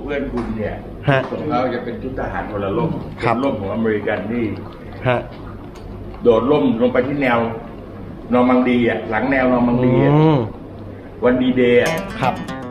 พื่อนคุณเนี่ยฮะของเขาจะเป็นชุดทหารพลร่มครับร่มของอเมริกันที่ฮะโดดร่มลงไปที่แนวนอร์มังดีอ่ะหลังแนวนอร์มังดีอ่ะมวันดีเดย์อ่ะครับ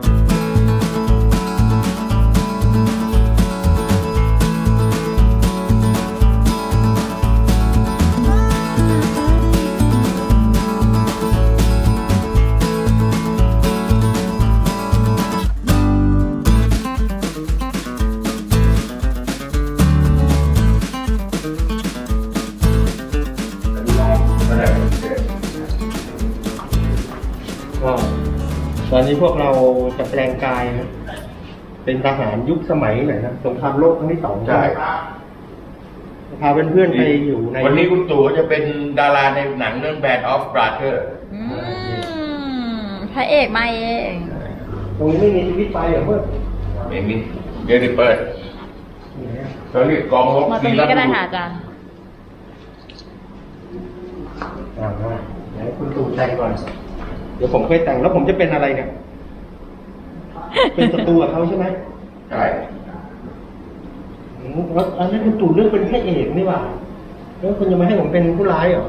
ก็ตอนนี้พวกเราจะแปลงกายนะเป็นทหารยุคสมัยไหนนะสงครามโลกครั้งที่2ใช่พาเพื่อนๆไปอยู่ในวันนี้คุณตู่จะเป็นดาราในหนังเรื่อง Band of Brothers พระเอกมาเองตรงนี้ไม่มีชีวิตไปเหรอเพื่อนเองนี่เดี๋ยวได้เปิดเขาเรียกกองรบมาตรงนี้ก็ได้ค่ะอาจารย์ไหนคุณตู่แต่งก่อน เดี๋ยวผมเคยแต่งแล้วผมจะเป็นอะไรเนี่ย เป็นศัตรูกับเขาใช่ไหมใช่แล้วอันนั้นคุณตู่เลือกเป็นแค่เอกนี่หว่าแล้วคุณจะมาให้ผมเป็นผู้ร้ายเหรอ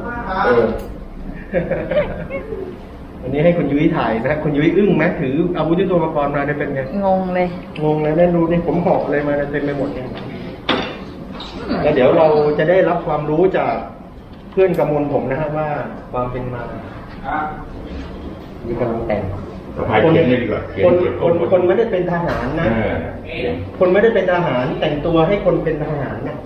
วันนี้ให้คุณยุ้ยถ่ายนะ คุณยุ้ยอึ้งไหมถืออาวุธยุทโธปกรณ์มาได้เป็นไงงงเลยงงเลยแน่ดูนี่ผมหอกอะไรมาเต็มไปหมดเนี่ยแล้วเดี๋ยวเราจะได้รับความรู้จากเพื่อนกำมลผมนะฮะว่าความเป็นมามีกำลังแต่งสะพายเขียนเลยดีกว่าเขียคนไม่ได้เป็นทหารนะ คนไม่ได้เป็นทหารแต่งตัวให้คนเป็นทหารนะ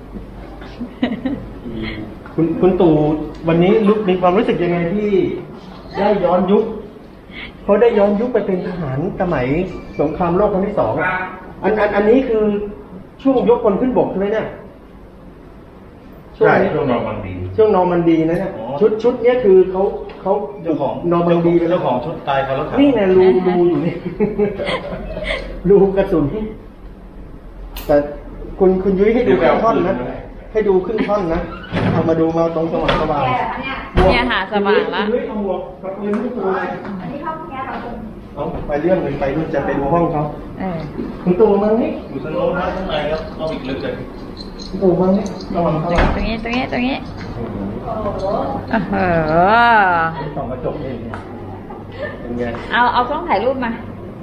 คุณตู่วันนี้มีความรู้สึกยังไงที่ได้ย้อนยุคเขาได้ย้อนยุคไปเป็นทหารสมัยสงครามโลกครั้งที่2อันนี้คือช่วงยกพลขึ้นบกใช่ไหมเนี่ยใช่ช่วงนอร์มังดีช่วงนอร์มันดีนะเนี่ยชุดเนี้ยคือเขาเจ้าของนอร์มันดีเป็นเจ้าของชุดตายเขาแล้วนี่ไงรูอยู่นี่ รูกระสุนแต่คุณยุ้ยให้ดูครึ่งท่อนนะให้ดูครึ่งท่อนนะเอามาดูมาตรงสว่างเนี่ยค่ะสว่างละคุณยุ้ยเอาหมวกกับปืนที่ตัวอะไรเอาไปเรื่องหนึ่งไปนู่นจะไปดูห้องเขา คุณตู่มานี่อยู่ตรงโน้นนะข้างในแล้วเอาอีกลึกเลยคุณตู่มานี่ระวังเขาตรงนี้ส่องกระจกเองเนี่ยเป็นไงเอากล้องถ่ายรูปมา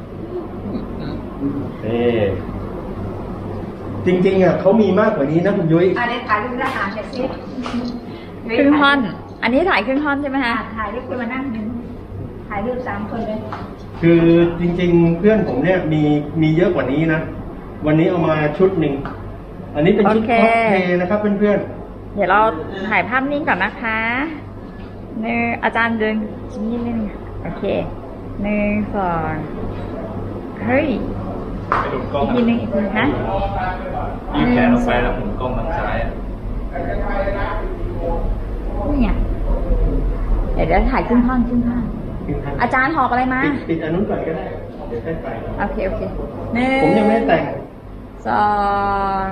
จริงๆอ่ะเขามีมากกว่านี้นะคุณยุ้ยอันนี้ถ่ายรูปทหารเสร็จสิครึ่งท่อน อันนี้ถ่ายครึ่งท่อนใช่ไหมคะถ่ายรูปคุณมานั่งหนึ่งถ่ายรูป3 คนเลยคือจริงๆเพื่อนผมเนี่ยมีเยอะกว่านี้นะวันนี้เอามาชุดหนึ่งอันนี้เป็นชุดคอสเพลย์นะครับเพื่อนเดี๋ยวเราถ่ายภาพนิ่งก่อนนะคะอาจารย์ดึงชิ้นนิดนึงโอเค1 2เฮ้ยอีกทีนึงนะยืดแขนออกไปแล้วหมุนกล้องทางซ้ายนี่ไงเดี๋ยวถ่ายครึ่งท่อนๆอาจารย์หอบอะไรมาปิดอันนู้นก่อนก็ได้เดี๋ยวให้ไปโอเค1 ผมยังไม่ได้แต่ง 2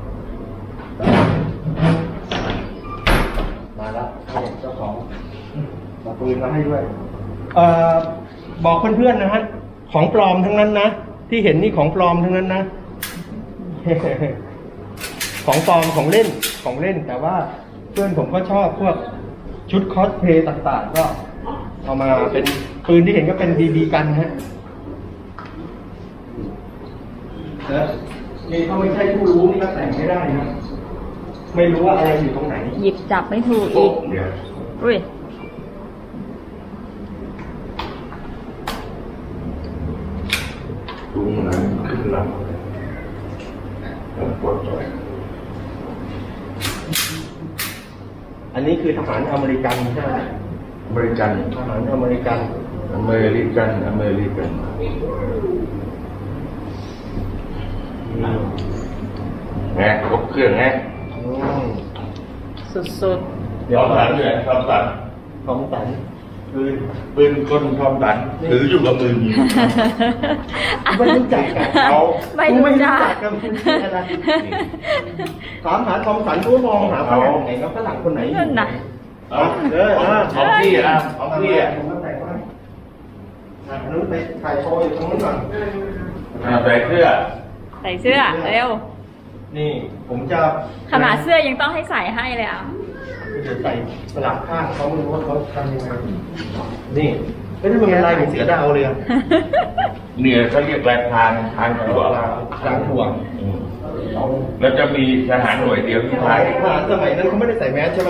มาแล้วเจ้าของมาปืนมาให้ด้วยบอกเพื่อนๆนะฮะของปลอมทั้งนั้นนะที่เห็นนี่ของปลอมทั้งนั้นนะ ของปลอมของเล่นแต่ว่าเพื่อนผมก็ชอบพวกชุดคอสเพลย์ต่างๆก็เอามาเป็นปืนที่เห็นก็เป็นบีบีกันฮะนี่เขาไม่ใช่ผู้รู้นี่ก็แต่งไม่ได้นะไม่รู้ว่าอะไรอยู่ตรงไหนหยิบจับไม่ถูกอีก อุ้ยดูนะขึ้นลำปวดใจอันนี้คือทหารอเมริกันใช่ไหมอเมริกันทหารอเมริกันอเมริกันไงครบเครื่องไงสุดทอมสันอยู่ไหนทอมสันของสันปืนก้นทอมสันถืออยู่กับมือยิงๆไม่รู้จักกันเขาไม่รู้จักกันคุณชื่ออะไรถามหาทอมสันก็มองหาฝรั่งไหนก็ฝรั่งคนไหนนั่นน่ะของพี่อ่ะของพี่อ่ะผมก็แต่งว่านู้นไปถ่ายโชว์อยู่ตรงนู้นก่อนใส่เสื้อใส่เสื้อเร็วนี่ผมจะขนาดเสื้อยังต้องให้ใส่ให้เลยอ่ะจะใส่สลับข้างเขาไม่รู้ว่าเขาทำยังไงนี่ไม่ได้เป็นลายเหมือนเสือดาวเลยอะเนี่ยเขาเรียกลายพรางถั่วกลางถ่วงแล้วจะมีทหารหน่วยเดียวที่ไทยทหารสมัยนั้นเขาไม่ได้ใส่แมสใช่ไหม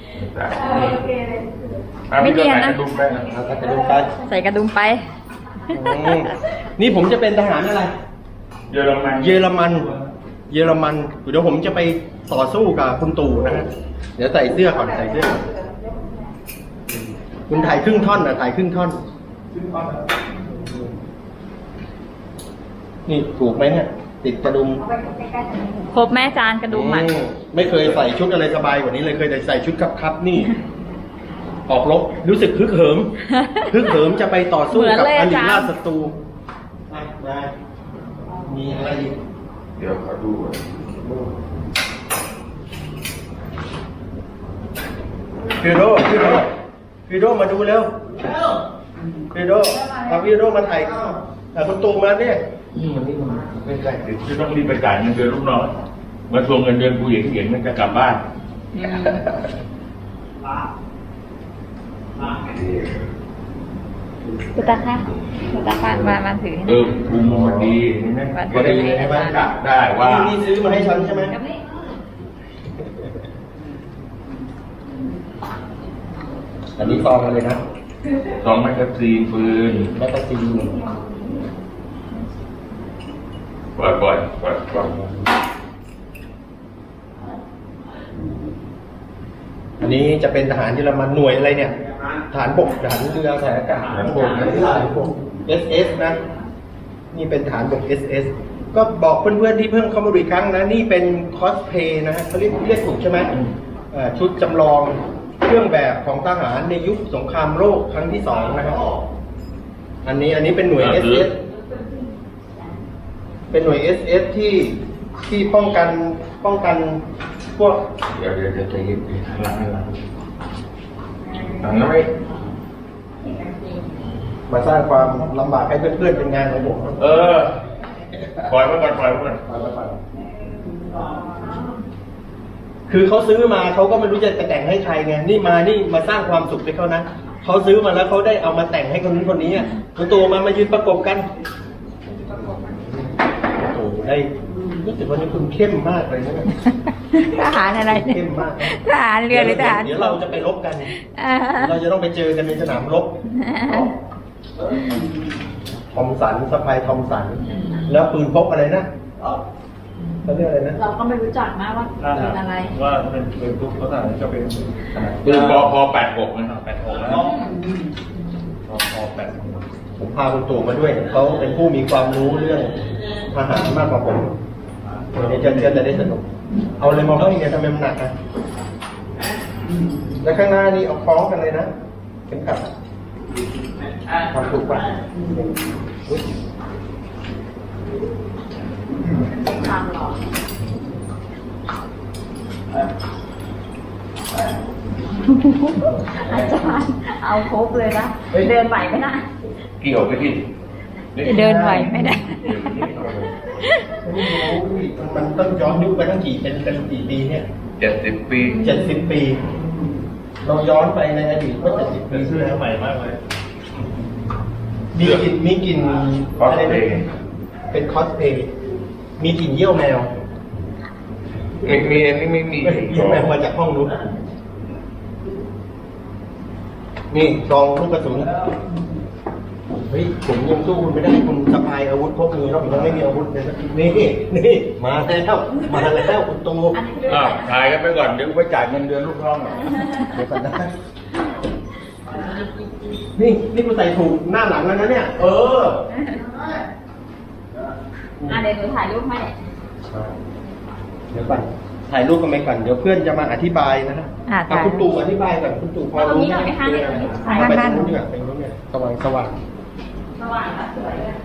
ไม่เนียนนะดูไปนะเอากระดุมไปใส่กระดุมไปอืมนี่ผมจะเป็นทหารอะไรเยอรมันเยอรมัน เยอรมัน เดี๋ยวผมจะไปต่อสู้กับคุณตู่นะฮะ เดี๋ยวใส่เสื้อก่อนใส่เสื้อก่อนคุณถ่ายครึ่งท่อนนะถ่ายครึ่งท่อน นี่ถูกไหมเนี่ย ติดกระดุมครบแม่จานกระดุมอ่ะไม่เคยใส่ชุดอะไรสบายกว่านี้เลยเคยแต่ใส่ชุดครับนี่ ออกรบรู้สึกฮึกเหิม ฮึกเหิมจะไปต่อสู้กับเหมืออนเลยริอาจารย์ราชศัตรูมามีอะไรอีกเดี๋ยวขอดูก่อนฟิโดมาดูเร็วฟิโดเอาฟิโดมาถ่ายคุณตู่มาเนี่ยไม่ใช่จะต้องรีบไปจ่ายเงินเดือนลูกน้องมาทวงเงินเดือนกูเห็นมันจะกลับบ้านคุณตาค่ะคุณตาค่ะมาถือให้หเอน่อยอภูมิมันดีเห็นไหมวัก็นได้ดีให้มันกลับได้ว่านี่ซื้อมาให้ฉันใช่ไหมกับนี่อันนี้ซองกันเลยนะสองแมกกาซีนปืนแมกกาซีนปล่อยอันนี้จะเป็นทหารเยอรมันหน่วยอะไรเนี่ยทหารบกทหารเรือทหารอากาศทหารบกทหารบก SS นะ นี่เป็นทหารบก SS ก็บอกเพื่อนๆที่เพิ่งเข้ามาดูอีกครั้งนะ นี่เป็นคอสเพย์นะฮะเขาเรียกถูกใช่ไหมชุดจำลองเครื่องแบบของทหารในยุคสงครามโลกครั้งที่สองนะครับอันนี้เป็นหน่วย SS เป็นหน่วย SS ที่ป้องกันพวกเดี๋ยวใจเย็นหลังน้อยมาสร้างความลำบากให้เพื่อนๆเป็นงานของผมเออปล่อยไว้ก่อนคือเขาซื้อมาเขาก็ไม่รู้จะไปแต่งให้ใครไงนี่มาสร้างความสุขให้เขานะเขาซื้อมาแล้วเขาได้เอามาแต่งให้คนนู้นคนนี้อ่ะคุณตู่มายืนประกบกันโอ้โหได้รู้สึกวันนี้คุณเข้มมากเลยนะเนี่ยทหารอะไรเนี่ยเข้มมากทหารเรือหรือทหารเดี๋ยวเราจะไปรบกันอ่าเราจะต้องไปเจอกันในสนามรบทอมสันสะพายทอมสัน แล้วปืนพกอะไรนะเขาเรียกอะไรนะเราก็ไม่รู้จักนะว่าเป็นอะไรว่าเป็นทุกภาษาจะเป็นขนาดปืนพอ86นะ 86แล้วพอ86 ผมพาคุณตู่มาด้วยเขาเป็นผู้มีความรู้เรื่องทหารมากกว่าผมวันนี้จะได้สนุกเอาเลยมองเขาอีกเนี่ยทำไมมันหนักนะแล้วข้างหน้านี่เอาคล้องกันเลยนะเข็มขัดทำถูกป่ะอุ๊ยทางหรอ อาจารย์เอาครบเลยนะ เดินไหวไหมนะเกี่ยวไปที่จะเดินไหวไม่ได้มันต้องย้อนยุคไปตั้งเป็นกี่ปีเนี่ย 70 ปี 70 ปี เราย้อนไปในอดีตเมื่อ70 ปีเป็นที่เสื้อแล้วใหม่มากเลยมีกลิ่นคอสอะไรเพนะย์เป็นคอสเพย์มีกลิ่นเยี่ยวแมวมีอันนี้ไม่มีเยี่ยวแมวมาจากห้องนู้นนี่ซองลูกกระสุนเฮ้ยผมยังสู้คุณไม่ได้คุณสะพายอาวุธพกมือเรายังไม่มีอาวุธเลยสักทีนี่มาแล้วคุณตูอ้าวถ่ายกันไปก่อนเดี๋ยวไปจ่ายเงินเดือนลูกน้องเดี๋ยวก่อนนะนี่คุณใส่ถูกหน้าหลังแล้วนะเนี่ย เออเดี๋ยวหนูถ่ายรูปให้เดี๋ยวก่อนถ่ายรูปกันไปก่อนเดี๋ยวเพื่อนจะมาอธิบายนะฮะถ่ายคุณตู่อธิบายก่อนคุณตู่พอรู้ตรงนี้หน่อยไหมคะไปตรงนู้นดีกว่าไปตรงนู้นเนี่ยสว่างสว่างแล้วสวยเลย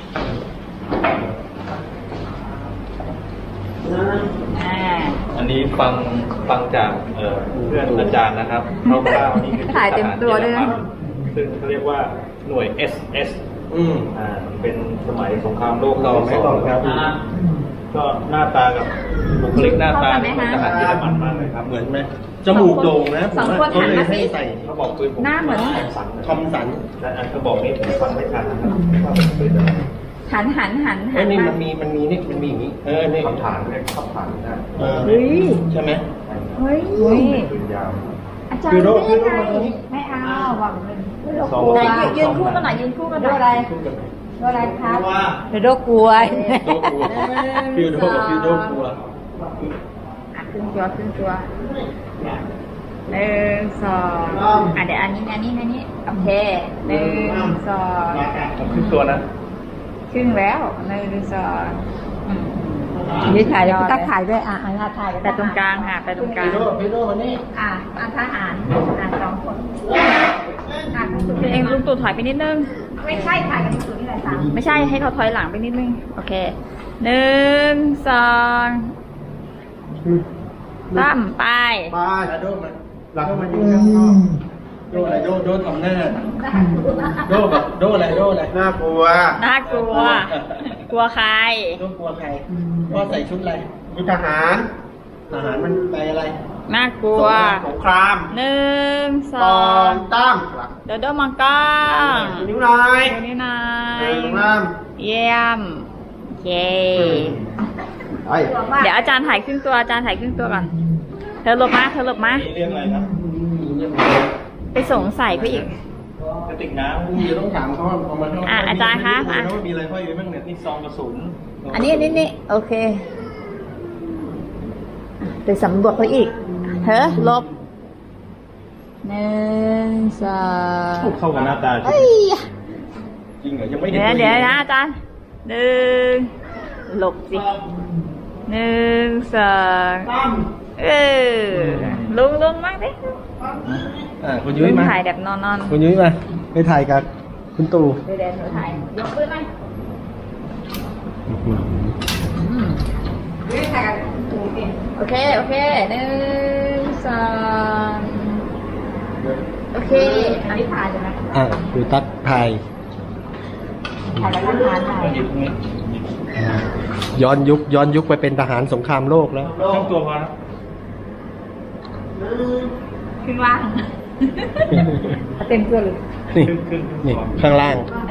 อันนี้ฟังจากเพื่อนอาจารย์นะครับคร่าวๆนี่คือถ่ายเต็มตัวด้วยนะซึ่งเขาเรียกว่าหน่วย SS อืมเป็นสมัยสงครามโลกต่อไหมต่อครับตก็หน้าตากับบุคลิกหน้าตาเนี่ยเหมือนทหารเยอรมันมากเลยครับเหมือนไหมจมูกโด่งนะสองคนหันมาสิใส่เขาบอกปืนผมหน้าเหมือนทอมสันแต่อันเขาบอกนี่ผมฟังไม่ทันนะครับว่าเป็นปืนอะไรหันเอ้ยนี่มันมีนี่มันมีอย่างนี้นี่คำถามเนี่ยคำถามนะเฮ้ยใช่ไหมเฮ้ยปืนยาวอาจารย์คือโรคไม่ได้คือโรคมาตรงนี้ไม่เอาหวังเลยสองไหนยืนคู่กันหน่อยยืนคู่กันหน่อยอะไรอะไรครับโรคกลัวโดกลัวฟิวโดกับฟิวโดกลัวขึ้นตัวหนึ่งสองเดี๋ยวอันนี้โอเคหนึ่งสองผมขึ้นตัวนะครึ่งแล้วหนึ่งสองนี่ถ่ายแล้วตักถ่ายด้วยถ่ายแต่ตรงกลางค่ะไปตรงกลางฟิวโดวันนี้ทหารสองคนตัวเองลุงตู่ถอยไปนิดนึงไม่ใช่ถ่ายกันที่สุดนี่แหละสามไม่ใช่ให้เขาถอยหลังไปนิดนึงโอเคหนึ่งสองตั้มไปปลาโดมันหลังมันอยู่ข้างนอกโดอะไรโดทำหน้าโดแบบโดอะไรน่ากลัวน่ากลัว กลัวใครโดกลัวใครพ่อใส่ชุดอะไรชุดทหาร ทหารมันไปอะไรน่ากลัวสงครามหนึ่งสตออง นตั้มเดี๋ยวมังกรนิ้วนายเดี๋ยวนี้นายสงครามเยี่ยมเย้ไอ้เดี๋ยวอาจารย์ถ่ายครึ่งตัวก่อนเธอหลบมานี่เรื่องอะไรครับไปสงสัยเขาอีกกระติกน้ำเดี๋ยวต้องถามเขาว่าเอามาเท่าไหร่อาจารย์คะว่ามีอะไรห้อยอยู่บ้างเนี่ยนี่ซองกระสุนอันนี้โอเค ไปสำรวจเขาอีกเธอหลบหนึ่งสองเข้ากับหน้าตาจริงเฮ้ยจริงเหรอยังไม่เห็นเดี๋ยวนะอาจารย์หนึ่งหลบสิหนึ่งสองลุงมากดิคุณยุ้ยมาถ่ายแบบนอนคุณยุ้ยมาไปถ่ายกับคุณตู่ๆเดี๋ยวหนูถ่ายยกปืนไหมถ่ายกันถูกดิโอเคหนึ่งสองโอเคอันนี้ถ่ายใช่ไหมดูตั๊กถ่ายถ่ายแล้วก็ถ่ายๆหยิบนี่ย้อนยุคไปเป็นทหารสงครามโลกแล้วทั้งตัวพอนะขึ้นว่างเต็มตัวเลยนี่ครึ่งนี่ข้างล่าง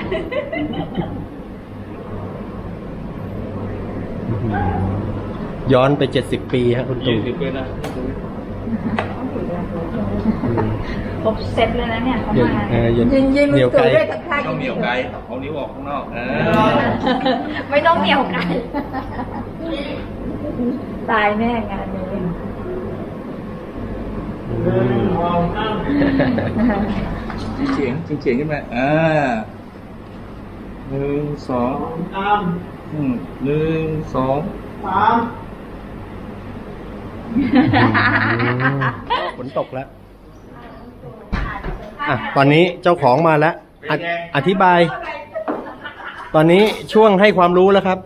ย้อนไป70 ปีฮะคุณตู่ 20 ปีนะครบเซตเลยนะเนี่ยเขาเดี๋ยวมายิงเหนียวไกลด้วยกับท่าต้องเหนียวไกลเอานิ้วออกข้างนอกไม่ต้องเหนียวไกันตายแน่งานนี้เฉียงขึ้นมาหนึ่งสองหนึ่งสองฝนตกแล้วตอนนี้เจ้าของมาแล้วอธิบาย ตอนนี้ช่วงให้ความรู้แล้วครับ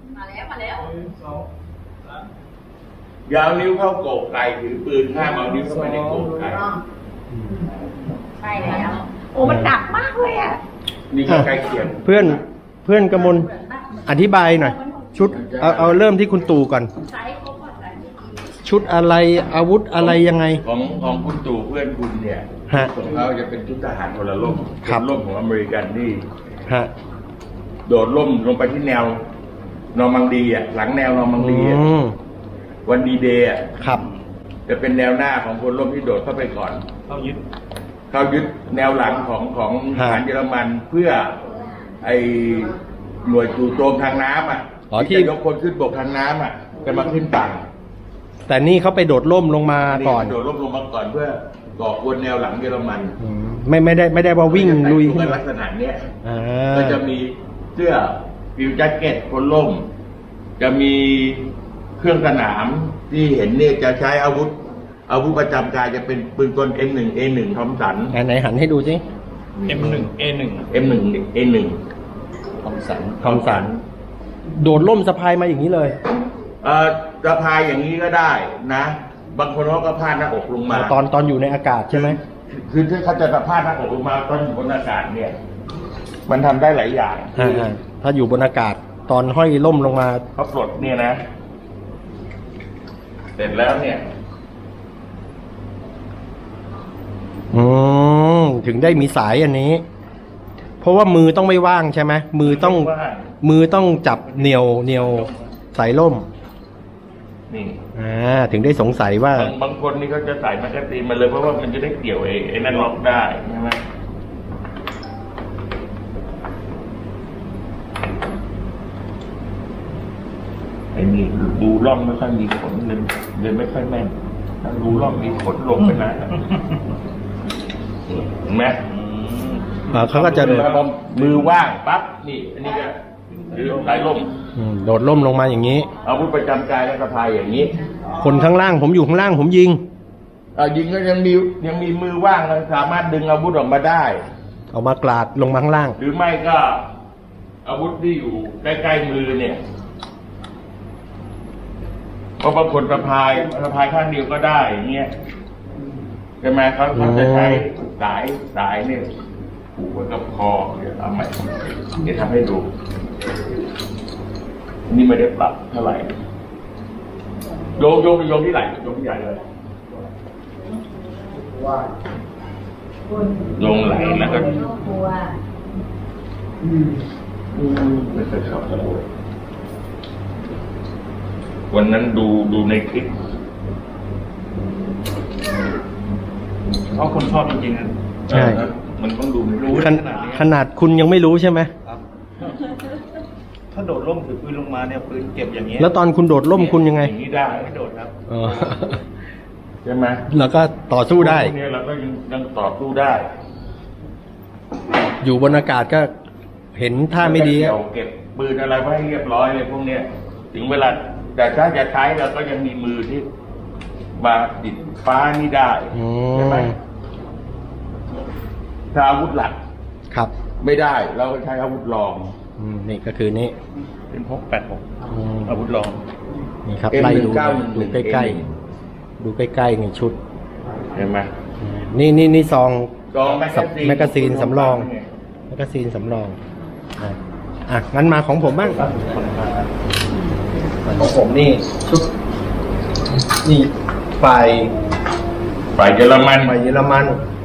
อยาวนิ้วเข้าโกกไก่ถือปืนห้ามเอานิ้วเข้าไปในโกกไก่ใช่แล้วโอ้มันดักมากเลยอ่ะนี่ก็ใกล้เคียงเพื่อนกมลอธิบายหน่อย ชุดเอาเริ่มที่คุณตู่ก่อน ชุดอะไรอาวุธอะไรยังไงของคุณตู่เพื่อนคุณเนี่ยฮะของเขาจะเป็นชุดทหารคนละร่มครับเป็นร่มของอเมริกันที่ฮะโดดร่มลงไปที่แนวนอร์มังดีอ่ะหลังแนวนอร์มังดีอ่ะอืมวันดีเดย์อ่ะครับจะเป็นแนวหน้าของคนร่มที่โดดเข้าไปก่อนเข้ายึดเขายึดแนวหลังของทหารเยอรมันเพื่อไอหน่วยจู่โจมทางน้ำอ่ะอ๋อที่จะยกคนขึ้นบกทางน้ำอ่ะจะมาขึ้นฝั่งแต่นี่เขาไปโดดร่มลงมาก่อนโดดร่มลงมาก่อนเพื่อก่อกวนแนวหลังเยอรมันไม่ได้ว่าวิ่งลุยขึ้นเป็นมาลักษณะเนี้ยอ่าก็จะมีเสื้อฟิวแจ็คเก็ตคนล่ม จะมีเครื่องสนามที่เห็นเนี่ยจะใช้อาวุธประจำกายจะเป็นปืนกล M1A1 ทอมสันไหนหันให้ดูสิ M1 A1 M1A1 ทอมสันทอมสัน โดดร่มสะพายมาอย่างนี้เลยสะพายอย่างนี้ก็ได้นะ บางคนเขาก็พาดหน้าอกลงมาตอนอยู่ในอากาศใช่ไหมคือถ้าเขาจะสะพาดหน้าอกลงมาตอนอยู่บนอากาศเนี่ย มันทำได้หลายอย่างถ้าอยู่บนอากาศตอนห้อยล่มลงมาเขาปลดเนี่ยนะ เสร็จแล้วเนี่ยถึงได้มีสายอันนี้ เพราะว่ามือต้องไม่ว่างใช่ไหมมือต้องจับเหนียวสายล่มนี่ถึงได้สงสัยว่าบางคนนี่เขาจะใส่แมกกาซีนมาเลยเพราะว่ามันจะได้เกี่ยวไอ้นั่นล็อกได้ใช่ไหมไอ้นี่ดูร่องไม่ค่อยมีขนเลยไม่ค่อยแม่นถ้าดูร่องมีขนลงไปนะเห็นไหมเขาก็จะพอมือว่างปั๊บนี่ อันนี้ก็คือสายล่มโดดล่มลงมาอย่างนี้อาวุธประจำกายและสะพายอย่างนี้คนข้างล่างผมอยู่ข้างล่างผมยิงยิงก็ยังมีมือว่างเราสามารถดึงอาวุธออกมาได้เอามากราดลงมาข้างล่างหรือไม่ก็อาวุธที่อยู่ใกล้ๆมือเนี่ยเพราะบางคนสะพายข้างเดียวก็ได้อย่างเงี้ยใช่ไหมเขาจะใช้สายเนี่ยผูกไว้กับคอเดี๋ยวเอาใหม่เดี๋ยวทำให้ดูนี่ไม่ได้ปรับเท่าไหร่โยงที่ไหล่โยงที่ใหญ่เลยโยงไหลแล้วก็ไม่เคยชอบเลยวันนั้นดูในคลิปเพราะคนชอบจริงๆนะใช่มันต้องดูในรู้ขนาดคุณยังไม่รู้ใช่ไหมครับ ถ้าโดดร่มถือปืนลงมาเนี่ยปืนเก็บอย่างเงี้ยแล้วตอนคุณโดดล่มคุณยังไงอย่างนี้ได้ไม่โดดครับใช่ไหมแล้วก็ต่อสู้ได้พวกนี้เราก็ยังต่อสู้ได้อยู่บนอากาศก็เห็นท่าไม่ดีเก็บปืนอะไรไว้ให้เรียบร้อยเลยพวกเนี้ยถึงเวลาแต่ถ้าจะใช้เราก็ยังมีมือที่มาติดฟ้านี่ได้ใช่ไหมถ้าอาวุธหลักครับไม่ได้เราก็ใช้อาวุธรองนี่ก็คือนี่เป็นพก86อาวุธรองนี่ครับ M19 ไล่ดู 111 ดูใกล้ๆ ดูใกล้ๆในชุดเห็นไหมนี่ซองกองแมกกาซีนสำรองงั้นมาของผมบ้างของผมนี่ชุดนี่ฝ่ายเยอรมันเยอรมัน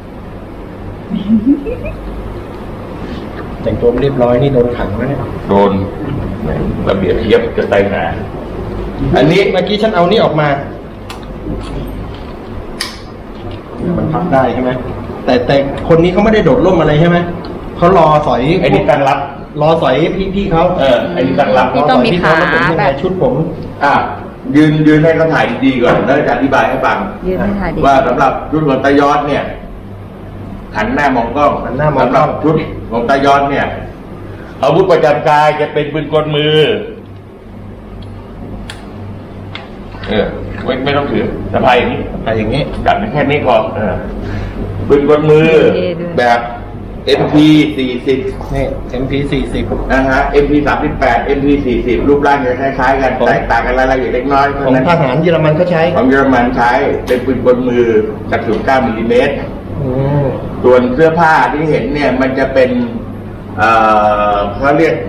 แต่งตัวไม่เรียบร้อยนี่โดนขังแล้วเนี่ยโดนระเบียบเทียบจะไต่หนาอันนี้เมื่อกี้ฉันเอานี่ออกมามันพับได้ใช่ไหมแต่คนนี้เขาไม่ได้โดดร่มอะไรใช่ไหมเขารอสอยไอ้นี่ตั้งรับรอสอยพี่เขาไอ้นี่ตั้งรับที่ต้องมีขาแล้วผมยังแบไงบชุดผมยืนให้เขาถ่ายดีๆก่อนแล้วจะอธิบายให้ฟังยืนให้ถ่ายดีว่าสำหรับชุดของตายอดเนี่ยหันหน้ามองกล้องหันหน้ามองกล้องสำหรับชุดของตายอดเนี่ยอาวุธประจำกายจะเป็นปืนกลมือไม่ต้องถือสะพายอย่างนี้อะไรอย่างนี้จับแค่นี้พอปืนกลมือ แบบ MP 40 นี่ MP 40 นะฮะ MP 38 MP 40รูปร่างจะคล้ายๆกันแตกต่างกันรายละเอียดเล็กน้อยของทหารเยอรมันเขาใช้ของเยอรมันใช้เป็นปืนกลมือจาก09มิลลิเมตรอืมส่วนเสื้อผ้าที่เห็นเนี่ยมันจะเป็นเขาเรียก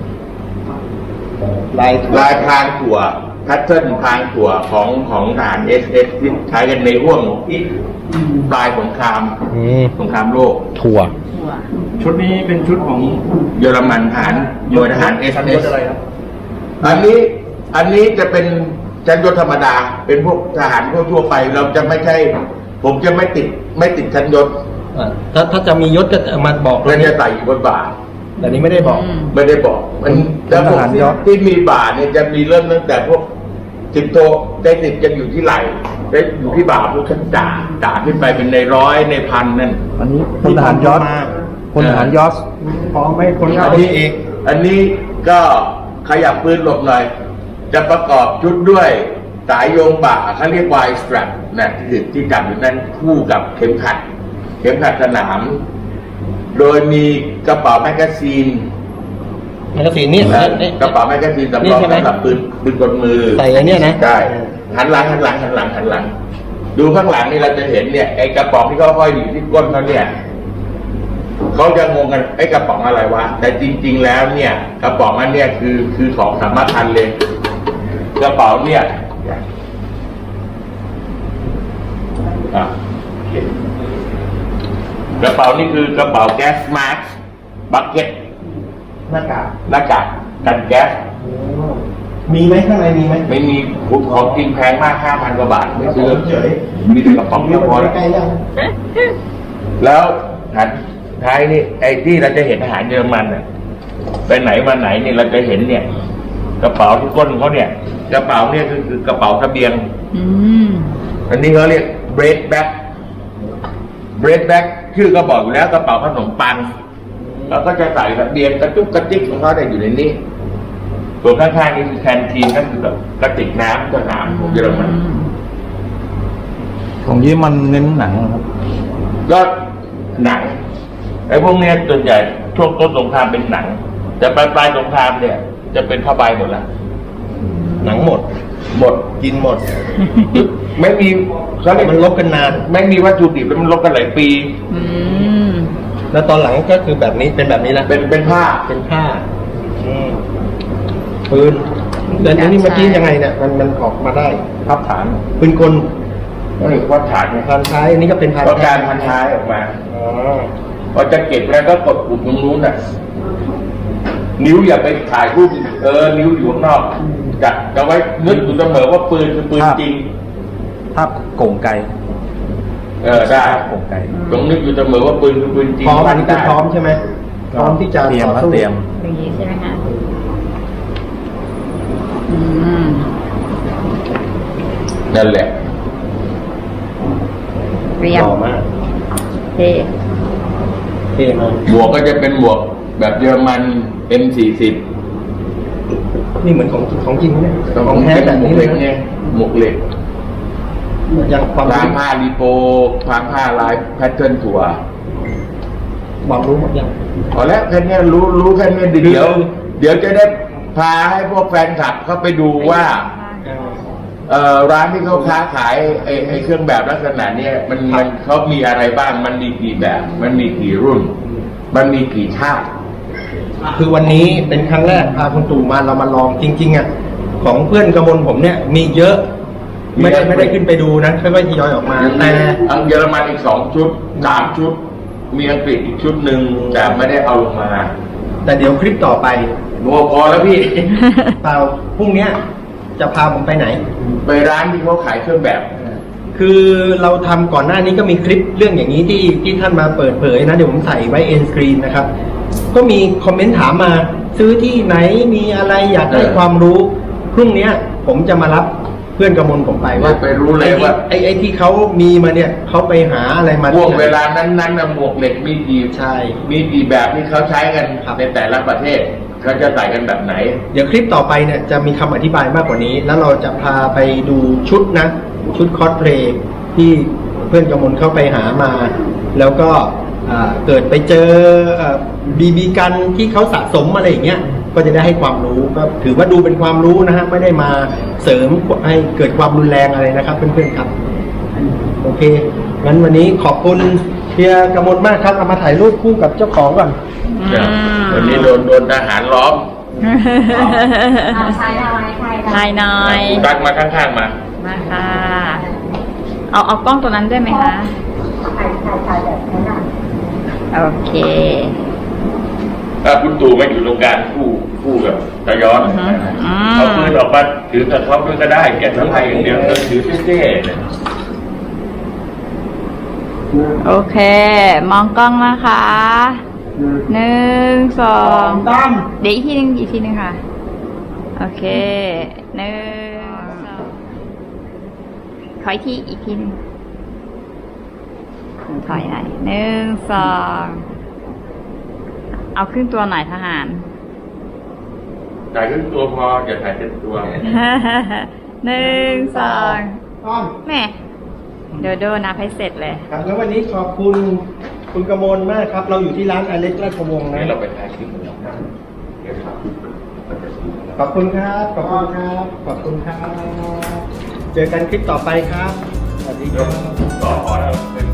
ลายพรางถั่วแพทเทิร์นพรางถั่วของทหาร SS ที่ใช้กันในห่วงที่ปลายสงครามโลกถั่วชุดนี้เป็นชุดของเยอรมันทหารหน่วยทหารชั้นยศ SS อะไรครับอันนี้จะเป็นชั้นยศธรรมดา เป็นพวกทหารทั่วไปเราจะไม่ใช่ ผมจะไม่ติดชั้นยศถ้าจะมียศก็จะมาบอกเพื่อจะใส่อยู่บนบ่าแต่นี้ไม่ได้บอกไม่ได้บอกมันแล้วพวกทหารยศที่มีบ่าเนี่ยจะมีเริ่มตั้งแต่พวก10 โทได้10จะอยู่ที่ไหล่ได้อยู่ที่บ่าพวกชั้นจ่าขึ้นไปเป็นในร้อยในพันนั่นอันนี้พลทหารยศพลทหารยศพร้อมไม่คนอันนี้ก็ขยับปืนหลบหน่อย จะประกอบชุดด้วยสายโยงบ่าเขาเรียกวายสตรัปนะที่จับอยู่นั้นคู่กับเข็มขัดสนาม โดยมีกระเป๋าแมกกาซีนนี่กระเป๋าแมกกาซีนสำรองสำหรับปืนกลมือใส่อันเนี้ยนะใช่หันหลังดูข้างหลังนี่เราจะเห็นเนี่ยไอ้กระป๋องที่เขาห้อยอยู่ที่ก้นเขาเนี่ยเขาจะงงกันไอ้กระป๋องอะไรวะแต่จริง ๆ แล้วเนี่ย กระป๋องอันเนี้ยคือของสำคัญเลยกระเป๋าเนี่ยอ่ะกระเป๋านี่คือกระเป๋าแก๊สมาร์คบัคเก็ตหน้ากากหน้ากากกันแก๊สมีไหมข้างในมีไหมไม่มีของจริงแพงมาก 5,000 กว่าบาทไม่ซื้อเฉยมีแต่กระป๋องก็พอแล้วใกล้ๆยังแล้วหันท้ายนี่ไอ้ที่เราจะเห็นอาหารเยอรมันน่ะไปไหนมาไหนเนี่ยเราจะเห็นเนี่ย กระเป๋าที่ก้นเขาเนี่ยกระเป๋าเนี่ยคือกระเป๋าเสบียงอืมอันนี้เขาเรียก bread bag bread bag ชื่อก็บอกอยู่แล้วกระเป๋าขนมปังแล้วก็จะใส่เสบียงกระจุกกระจิกของเขาได้อยู่ในนี้ส่วนข้างๆนี่คือแคนทีนนั่นคือแบบกระติกน้ำสนามของเยอรมันของยี่มันเน้นหนังครับก็หนังไอ้พวกเนี้ยส่วนใหญ่ช่วงต้นสงครามเป็นหนัง แต่ปลายสงครามเนี่ย จะเป็นผ้าใบหมดแล้วหนังหมดหมดกินหมดไม่มีเขาเรียกมันลบกันนานไม่มีวัตถุดิบแล้วมันลบกันหลายปีอืมแล้วตอนหลังก็คือแบบนี้เป็นแบบนี้แล้วเป็นผ้าเป็นผ้าปืนแต่อันนี้เมื่อกี้ยังไงเนี่ยมันออกมาได้พับฐานปืนกลก็เรียกว่าฐานไงพันท้ายอันนี้ก็เป็นพันก็การพันท้ายออกมาอ๋อพอจะเก็บแล้วก็กดปุ่มตรงนู้นน่ะ นิ้วอย่าไปถ่ายรูปนิ้วอยู่ข้างนอกจะไว้นึกอยู่เสมอว่าปืนคือปืนจริงภาพโก่งไกลได้โก่งไกลต้องนึกอยู่เสมอว่าปืนคือปืนจริงพร้อมอันนี้คือพร้อมใช่ไหมพร้อมที่จะเตรียมต่อแล้วสู้เตรียมอย่างนี้ใช่ไหมคะอืมนั่นแหละเรียหบล่อมากเท่เท่มากหมวกก็จะเป็นหมวกแบบเยอรมัน M40 นี่เหมือนของจริงเนี่ยของแท้แบบนี้เลยนะไงหมวกเหล็กอย่างความร้านรู้ผ้ารีโปร้านผ้าลายแพทเทิร์นถั่วความรู้หมดยังพอแล้วแค่เนี้ยรู้แค่เนี้ยเดี๋ยวจะได้พาให้พวกแฟนคลับเข้าไปดูว่าร้านที่เขาค้าขายไอ้เครื่องแบบลักษณะเนี้ยมันเขามีอะไรบ้างมันมีกี่แบบ มันมีกี่รุ่น มันมีกี่ชาติคือวันนี้เป็นครั้งแรกพาคุณตู่มาเรามาลองจริงๆอ่ะของเพื่อนกระมวลผมเนี่ยมีเยอะไม่ได้ขึ้นไปดูนะค่อยๆทยอยออกมาแต่อังเยอรมันอีก2 ชุด 3 ชุด มีอังกฤษอีกชุดหนึ่งแต่ไม่ได้เอาลงมาแต่เดี๋ยวคลิปต่อไปโอ้พอแล้วพี่เปล่าพรุ่งเนี้ยจะพาผมไปไหนไปร้านที่เขาขายเครื่องแบบคือเราทำก่อนหน้านี้ก็มีคลิปเรื่องอย่างนี้ที่ท่านมาเปิดเผยนะเดี๋ยวผมใส่ไว้เอ็นสกรีนนะครับก็มีคอมเมนต์ถามมาซื้อที่ไหนมีอะไรอยากได้ความรู้พรุ่งเนี้ยผมจะมารับเพื่อนกระมวลผมไปว่าไปรู้เลยว่าไอ้ที่เขามีมาเนี่ยเขาไปหาอะไรมาช่วงที่ไหนเวลานั้นๆหมวกเหล็กมีกี่ใช่มีกี่แบบที่เขาใช้กันในแต่ละประเทศเขาจะใส่กันแบบไหนเดี๋ยวคลิปต่อไปเนี่ยจะมีคำอธิบายมากกว่านี้ แล้วเราจะพาไปดูชุดนะชุดคอสเพลย์ที่เพื่อนกระมวลเข้าไปหามา แล้วก็เกิดไปเจอบีบีกันที่เขาสะสมอะไรอย่างเงี้ยก็จะได้ให้ความรู้ก็ถือว่าดูเป็นความรู้นะฮะไม่ได้มาเสริมให้เกิดความรุนแรงอะไรนะครับเพื่อนๆครับโอเคงั้นวันนี้ขอบคุณเฮียกระมวลมากครับเอามาถ่ายรูปคู่กับเจ้าของก่อนวันนี้โดนทหารล้อมใช่ค่ะนายน้อยตั้งมาข้างๆมามาค่ะ เอากล้องตัวนั้นด้วยไหมคะถ่ายแบบนั้นอ่ะโอเคถ้าคุณตู่ไม่อยู่ตรงกลางคู่กับตะย้อนอืมเอาปืนออกมาถือกับเขาด้วยก็ได้แกะทั้งไทยอย่างเดียวถือเท่ๆเนี่ยโอเค มองกล้องนะคะ1 2 เดี๋ยวอีกทีนึงค่ะ โอเค1 2ขออีกทีนึงถอยหน่อย1 2เอาครึ่งตัวหน่อยทหารถ่ายครึ่งตัวพออย่าถ่ายเต็มตัว 1 2แม่เดี๋ยวโดนนับให้เสร็จเลยครับแล้ววันนี้ขอบคุณคุณกมลมากครับ เราอยู่ที่ร้านอเล็กราชวงศ์นะให้เราไปถ่ายคลิปกันนะเดี๋ยวครับขอบคุณครับ ขอบคุณครับ ขอบคุณครับ เจอกันคลิปต่อไปครับ สวัสดีครับต่อพอแล้ว